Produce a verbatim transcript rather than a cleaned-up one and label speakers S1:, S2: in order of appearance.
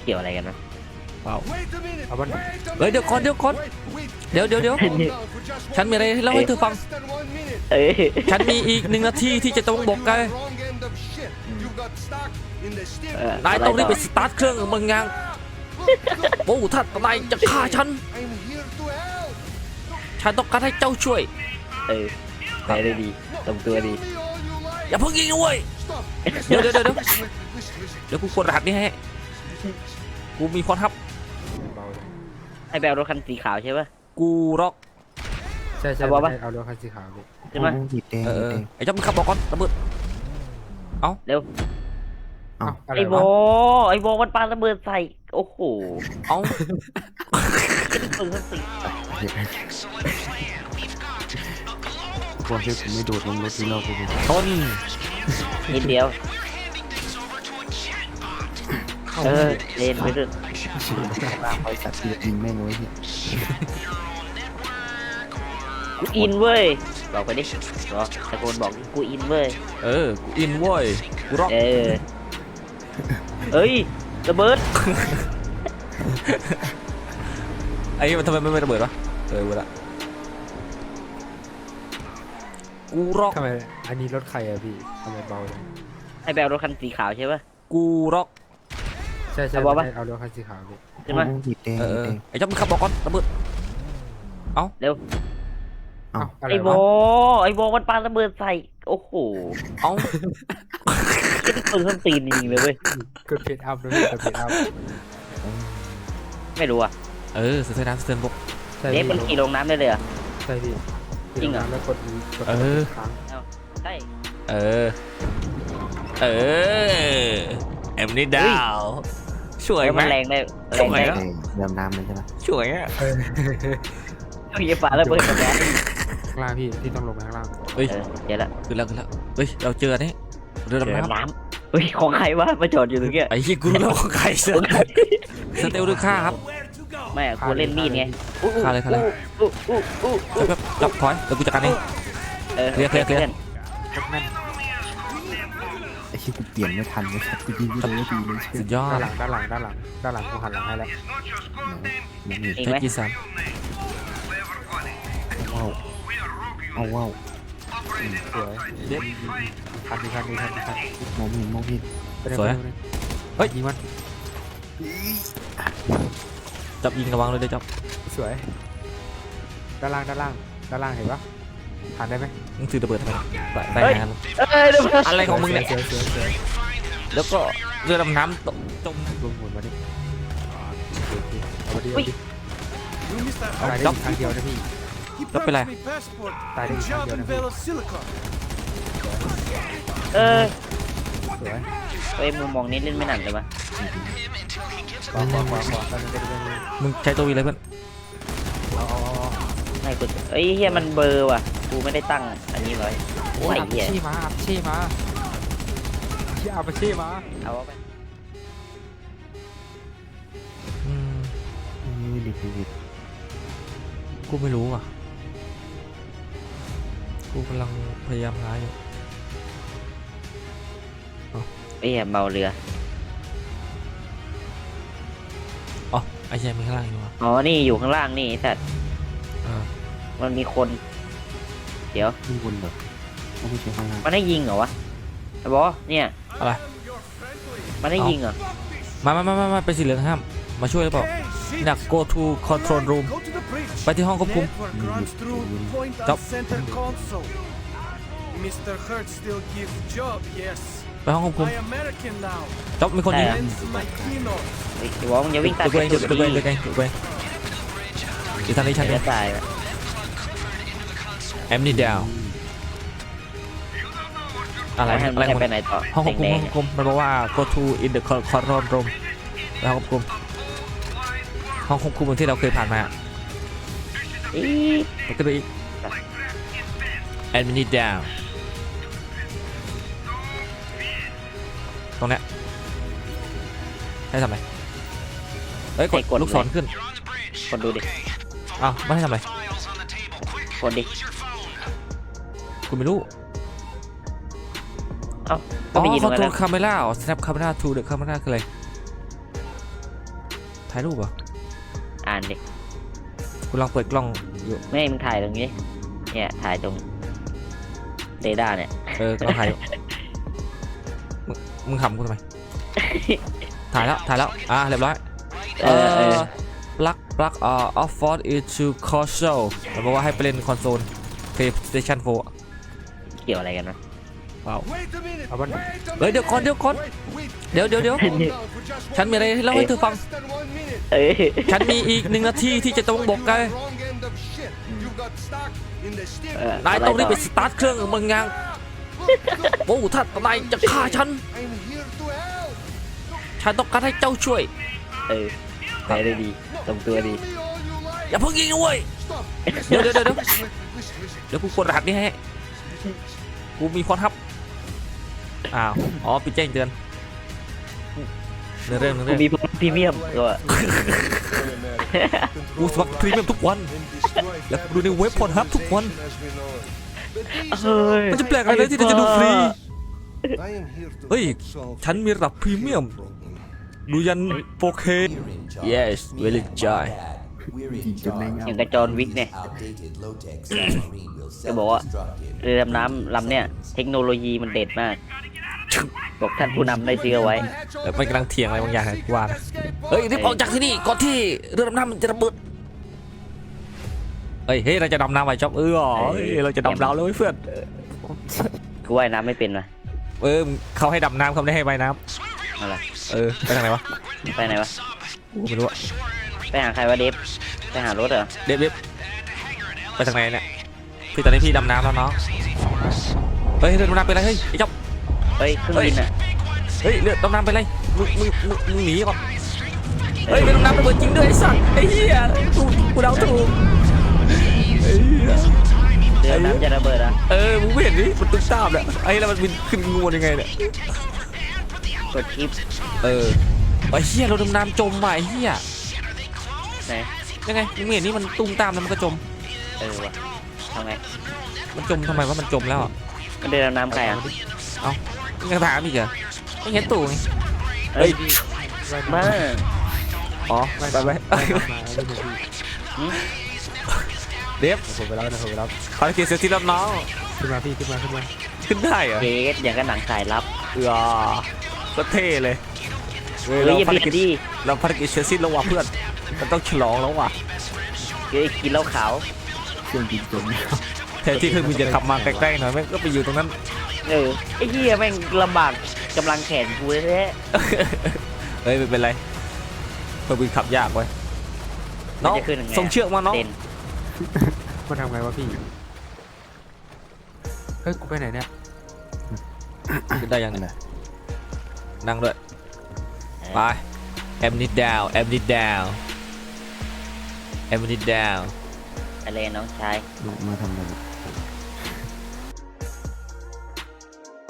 S1: เกี่ยวอะไรกันนะเปล่า
S2: เอาบ้าน
S3: เฮ้ยเดี๋ยวก่อนเดี๋ยวก่อนเดี๋ยวเดี๋ยวเดี๋ยวฉันมีอะไรเล่าให้เธอฟัง
S1: เอ้ย
S3: ฉันมีอีกหนึ่งนาทีที่จะต้องบอกแกนายต้องรีบไปสตาร์ทเครื่องมึงยังโอ้ถ้านายจะฆ่าฉันฉันต้องการให้เจ้าช่วย
S1: เออไปได้ดีตรงตัวดี
S3: อย่าเพิ่งยิงด้วยเดี๋ยวเดี๋ยวเดี๋ยวเดี๋ยวกูกดรหัสนี่ให้กูมีพรทับ
S1: ไอ้แบบรถคันสีขาวใช่ปะ
S3: กูร็อก
S2: ใช่ใช่เอารถคันสีขาวไป
S1: ใช่ไหม
S3: เออไอ้เจ้ามึงขับบอกก่อนระเบิดเอา
S1: เร็วไอ้โบไอ้โบมันปาระเบิดใส่โอ้โห
S3: เอา
S1: ปืนสี
S2: พวกที่ผมไม่โดดลงรถที่เราไปดู
S3: ต้น
S1: นิดเดียวเออเล่นไปด้วย
S2: บริษัทที่ยิงแม่งไว้เนี่ย
S1: กูอินเว้ยบอกไปดิรอตะโกนบอกกูอินเว้ย
S3: เออกูอินเว้ยกูร็อก
S1: เออเอ้ยระเบิด
S3: ไอ้มันทำไมไม่ระเบิดวะเออเวลากูร็อก
S2: ทำไมอันนี้รถใครอะพี่ทำไมเบาเลย
S1: ไอ้แบบรถคันสีขาวใช่ปะ
S3: กูร็อก
S2: ใช่ใช่เอารถคันสีขาวไป
S1: ใช่ไหม
S3: เออไอ้เจ้ามึงขับบอกก่อนระเบิดเอา
S1: เร็วไอ้โบไอ้โบมันปาระเบิดใส่โอ้โห
S3: เอา
S1: ปืนส้นตีนจริงเลยเว้ย
S2: กดเพจอัพเลยกดเพจอัพ
S1: ไม่รู้อ่ะ
S3: เออเสือน้ำเสือบก
S1: เด็กมันขี่ลงน้ำได้เลยอ่ะ
S2: ใช่พี่
S1: จริงเหรอ
S2: แล้วกดอี
S3: เออ
S1: ใช่
S3: เออเออเอ็มนี่ดาวช่วยไหม
S1: แรงได้แรงได้
S2: ดำน้ำเลยใช่ไหม
S3: ช่วยอ่ะ
S1: ต้องยิงปลาระเบิดกับแก๊ส
S2: ข้างล่างพี่ที่ต้องลงมาข้างล่าง
S3: เฮ้ย
S1: เจอแล้ว
S3: ขึ้นแล้วขึ้นแล้วเฮ้ยเราเจอนี่เรือดำน้
S1: ำเฮ้ยของใครวะมาจอดอยู่ตรงนี้
S3: ไอ้ยี่กูรู้แล้วของใครเสือสเตลหรือฆ่าครับ
S1: ไม่กูเล่นมีดไง
S3: ฆ่าเลยฆ่าเลยแบบจับถอยแล้วกูจัดการเองเคลียร์เคลียร์เคลียร์
S2: ไอ้ที่กูเปลี่ยนไม่ทันเลยครับกูยิงไม่ได้ดีเลย
S3: สุดยอด
S2: ด้านหลังด้านหลังด้านหลังด้านหลังกูหันหลังให้แล้ว
S3: เทคกี้สาม
S2: ว้าวเอาว้าวสวยเด็ดทันดีทันดีทันดีทันมองไม่เห็นมองไม่เห็น
S3: สวยเฮ้ย
S2: ยิงมัน
S3: จับยิงระวังเลยได้จับ
S2: สวยด้านล่างด้านล่างด้านล่างเห็นปะผ่านได้ไหม
S3: มึงถือระเบิดทำไมได้งานอะไรของมึงเนี่ยแล้วก็เรือดำน้ำตกจม
S2: ลงหมุนมาดิเอาดิเอาดิตายได้ครั้งเดียวนะพี่
S3: แล้วเป็นไร
S2: ตายได้ครั้งเดียวนะพี่
S1: เออ
S2: สวย
S1: เฮ้ยมุมมองนี้เล่นไม่หนักเลยปะ
S3: มึงใช้ตัววีเลยเพื่อน
S1: ไม่กูเอ้ยเฮียมันเบอร์ว่ะกูไม่ได้ตั้งอันนี้ไว้โอ้ยเฮีย
S2: ชี้มาชี้มาชี้เอาไปชี้มา
S1: เอาไป
S3: อืม
S2: ดิบดิบ
S3: กูไม่รู้อ่ะกูกำลังพยายามหาอยู่
S1: เอ้ยเมาเรือ
S3: อ๋อไอ้เชี่ยมีข้างล่างอยู่
S1: อ๋อนี่อยู่ข้างล่างนี่สัตว์มันมีคนเดี๋ยว
S2: มีคนแบบไม่ใช่ข้างล่าง
S1: มันให้ยิงเหรอวะไอ้บอเนี่ย
S3: อะไร
S1: มันให้ยิงเหรอ
S3: มามามามาไปสีเหลืองห้ามมาช่วยหรือเปล่าอยาก go to control room ไปที่ห้องควบคุมจบไปห้องควบคุมจบมีคนยิง
S1: ไอ้บอมึงอย่าวิ่งตาม
S3: ตัวเองตัวเองตัวเองตัวเองอีกทางนี้ฉัน
S1: จะตาย
S3: แอมนี่ดาวอะไรอะไรหมดห้องควบคุมห้องควบคุมมันบอกว่า go to in the control room ไปห้องควบคุมห้องควบคุมที่เราเคยผ่านมา
S1: อี
S3: กก็ไปอีกแอมนี่ดาวตรงเนี้ยให้ทำไรเฮ้ยกดลูกศรขึ้น
S1: กดดูดิ
S3: อ้าวไม่ให้ทำไร
S1: กดดิ
S3: กูไม่รู้
S1: เอ้า
S3: อ๋อ control camera snap camera to the camera คืออะไรถ่ายรูปเหรอ
S1: อ่านดิ
S3: กูลองเปิดกล้องอยู่
S1: ไม่ให้มึงถ่ายตรงนี้เนี่ยถ่ายตรงเรดาร์เนี่ย
S3: เออลองถ่ายอยู่มึงมึงขำกูทำไม ถ่ายแล้วถ่ายแล้วอ่ะเรียบร้อย
S1: เออเออ
S3: plug plug อ่า off for into console มันบอกว่าให้ไปเล่นคอนโซล PlayStation โฟร์
S1: เกี่ยวอะไรกันวะ
S3: ว้าว
S2: เอาบ้าน
S3: เฮ้ยเดี๋ยวก่อนเดี๋ยวก่อนเดี๋ยวเดี๋ยวเดี๋ยวฉันมีอะไรเล่าให้เธอฟัง
S1: เอ้ย
S3: ฉันมีอีกหนึ่งนาทีที่จะต้องบอกแก
S1: เออน
S3: ายต้องรีบไปสตาร์ทเครื่องมึงยังโอ้ถ้านายจะฆ่าฉัน ฉันต้องการให้เจ้าช่วย
S1: เออไปได้ดีตรงตัวดี
S3: อย่าเพิ่งยิงนะเว้ยเดี๋ยวเดี๋ยวเดี๋ยวเดี๋ยวเดี๋ยวกูกดรหัสนี่ให้กูมีคนทับอ้าวอ๋อปิดแจ้งเตือนเรื่องเรื่อง
S1: กู
S3: เรื่อง
S1: มีพรีเมียมก็
S3: กูสมัครพรีเมียมทุกวันแล้วกูดูในเว็บพอร์ทับทุกวัน
S1: เฮ้ย
S3: มันจะแปลกอะไรเลยที่เราจะดูฟรีเฮ้ยฉันมีระดับพรีเมียมดูยัน โฟร์เค yes very joy
S2: จุดในเงา
S1: อย่างกระจรวิกเนี่ยจะบอกว่าเรือดำน้ำลำเนี่ยเทคโนโลยีมันเด็ดมากบอกท่านผู้นำได้ซื้อเอาไว้
S3: แล้วมันกำลังเถียงอะไรบางอย่างกูว่านะเฮ้ยรีบออกจากที่นี่ก่อนที่เรือดำน้ำมันจะระเบิดเฮ้ยเฮ้ยเราจะดำน้ำไปจ๊อบเออเฮ้ยเราจะดำน้ำแล้วเว้ยเพื่อน
S1: กูว่ายน้ำไม่เป็นวะ
S3: เออเขาให้ดำน้ำเขาไม่ได้ให้ว่ายน้
S1: เอาล่ะ
S3: ำเออไปทางไหนวะ
S1: ไปไหนวะ
S3: กูไม่รู้อะ
S1: ไปหาใครวะเดฟไปหารถเหรอ
S3: เด็บเด็บไปทางไหนเนี่ยพี่ตอนนี้พี่ดำน้ำแล้วเนาะเฮ้ยเรือดำน้ำเป็นไรเฮ้ยไอ้จ๊อบ
S1: เฮ้ยเครื่องบินอ่ะ
S3: เฮ้ยเรือดำน้ำเป็นไรมึงมึงมึงมึงหนีก่อนเฮ้ยเรือดำน้ำระเบิดจริงด้วยไอ้สัตว์ไอ้เหี้ยกูกูเดาถูกไอ้เหี้ย
S1: เรือน้ำจะระเบิดอ่ะ
S3: เออมึงไม่เห็นดิมันตุ้มตามเนี่ยไอ้แล้วมันบินขึ้นงูยังไงเนี่ย
S1: กดชิป
S3: เออไอ้เหี้ยเราดำน้ำจมว่ะไอ้เหี้ย
S1: ไหน
S3: ยังไงมึงไม่เห็นนี่มันตุ้มตามแล้วมันก็จม
S1: เออวะทำไง
S3: มันจมทำไมว่ามันจมแล้วอะ
S1: มันเรือดำน้ำใครอ่ะ
S3: มึงยังถามอีกเหรอไม่เห็นตู่ไง
S1: เฮ้ยมา
S3: อ๋อไปไปไป
S2: มาไม่ถูกพี่
S3: เดฟ
S2: ผมไปแล้วนะผมไปแล้ว
S3: ภารกิจเสร็จที่รับน้อง
S2: ขึ้นมาพี่ขึ้นมาขึ้นมา
S3: ขึ้นได้เหรอ
S1: เกสอย่างกับหนังสายลับ
S3: เออก็เท่เลยเว้ย
S1: เฮ้
S3: เรา
S1: ยอย่า
S3: ภาร
S1: เบีย
S3: กิ
S1: ด
S3: จ
S1: ดิ
S3: เราภารกิจเสร็จสิ้นแล้วว่ะเพื่อนมันต้องฉลองแล้วว่ะ
S1: เฮ้ยกินเหล้าขาว
S2: เครื่องบินจม
S3: แทนที่เครื่องบินจะขับมาใกล้ๆหน่อยแม่งก็ไปอยู่ตรงนั้น
S1: เออไอ้เหี้ยแม่งลำบากกำลังแขนกูแท้
S3: เฮ้ยไม่เป็นไรเครื่องบินขับยากเว้ย
S1: ๆ
S3: น้อง
S1: จะขึ้นยังไง
S3: ส่งเชือกมาน้อง
S1: เด่น
S2: มันทำไงวะพี่เฮ้ยกูไปไหนเนี่ย
S3: ขึ้นได้ยังไงนั่งด้วยไปแอมนิดดาวแอมนิดดาวแอมนิดดาว
S1: อะไรน้องชาย
S2: มาทำอะไร